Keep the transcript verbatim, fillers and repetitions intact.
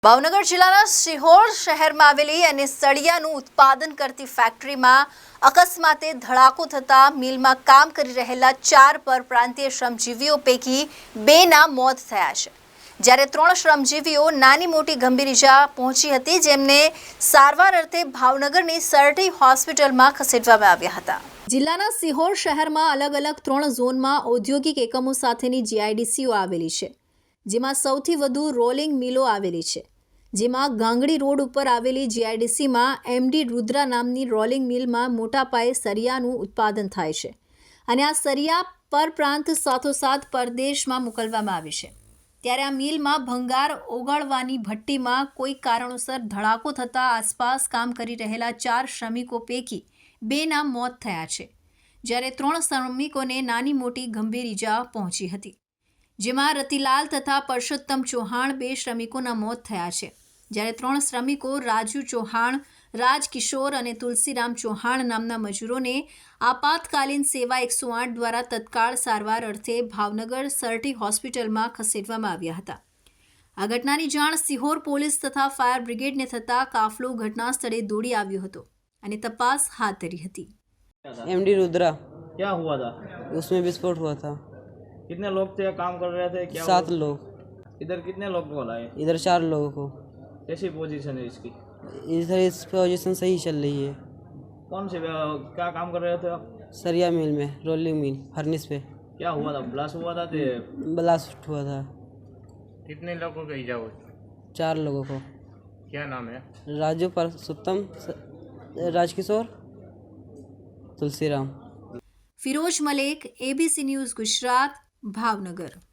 ભાવનગર જિલ્લાના સિહોર શહેરમાં આવેલી અને સળિયાનું ઉત્પાદન કરતી ફેક્ટરીમાં અકસ્માતે ધડાકો થતા મિલમાં કામ કરી રહેલા ચાર પરપ્રાંતીય શ્રમજીવીઓ પૈકી બેના મોત થયા છે, જ્યારે ત્રણ શ્રમજીવીઓ નાની મોટી ગંભીર ઇજા પહોંચી હતી, જેમને સારવાર અર્થે ભાવનગરની સરટી હોસ્પિટલમાં ખસેડવામાં આવ્યા હતા। જિલ્લાના સિહોર શહેરમાં અલગ અલગ ત્રણ ઝોનમાં ઔદ્યોગિક એકમો સાથેની જીઆઈડીસીઓ આવેલી છે, જેમાં સૌથી વધુ રોલિંગ મિલો આવેલી છે। જેમાં ગાંગડી રોડ ઉપર આવેલી જીઆઈડીસીમાં એમડી રુદ્રા નામની રોલિંગ મિલમાં મોટા પાયે સરિયાનું ઉત્પાદન થાય છે અને આ સરિયા પરપ્રાંત સાથોસાથ પરદેશમાં મોકલવામાં આવે છે। ત્યારે આ મિલમાં ભંગાર ઓગાળવાની ભઠ્ઠીમાં કોઈ કારણોસર ધડાકો થતાં આસપાસ કામ કરી રહેલા ચાર શ્રમિકો પૈકી બેના મોત થયા છે, જ્યારે ત્રણ શ્રમિકોને નાની મોટી ગંભીર ઇજા પહોંચી હતી, જેમાં રતિલાલ તથા પરસોત્તમ ચૌહાણ બે શ્રમિકોના મોત થયા છે, જ્યારે ત્રણ શ્રમિકો રાજુ ચૌહાણ, રાજકિશોર અને તુલસીરામ ચૌહાણ નામના મજૂરોને આપાતકાલીન સેવા એકસો આઠ દ્વારા તત્કાળ સારવાર અર્થે ભાવનગર સરટી હોસ્પિટલમાં ખસેડવામાં આવ્યા હતા। આ ઘટનાની જાણ સિહોર પોલીસ તથા ફાયર બ્રિગેડને થતાં કાફલો ઘટના સ્થળે દોડી આવ્યો હતો અને તપાસ હાથ ધરી હતી। एमडी रुद्रा, क्या हुआ था? उसमें विस्फोट हुआ था। कितने लोग थे, काम कर रहे थे? क्या सात हुआ? लोग। इधर कितने लोग को लाए? इधर चार लोगों को। कैसी पोजीशन है इसकी? इधर इस पोजीशन सही चल रही है। कौन से क्या काम कर रहे थे आप? सरिया मिल में, रोलिंग मिल, फर्निश पे। क्या हुआ था? ब्लास्ट हुआ था? ते... ब्लास्ट हुआ था। कितने लोगों को इजा हुई? चार लोगों को। क्या नाम है? राजू, परसोत्तम, राजकिशोर, तुलसीराम। Firoz Malek, A B C news Gujarat, Bhavnagar.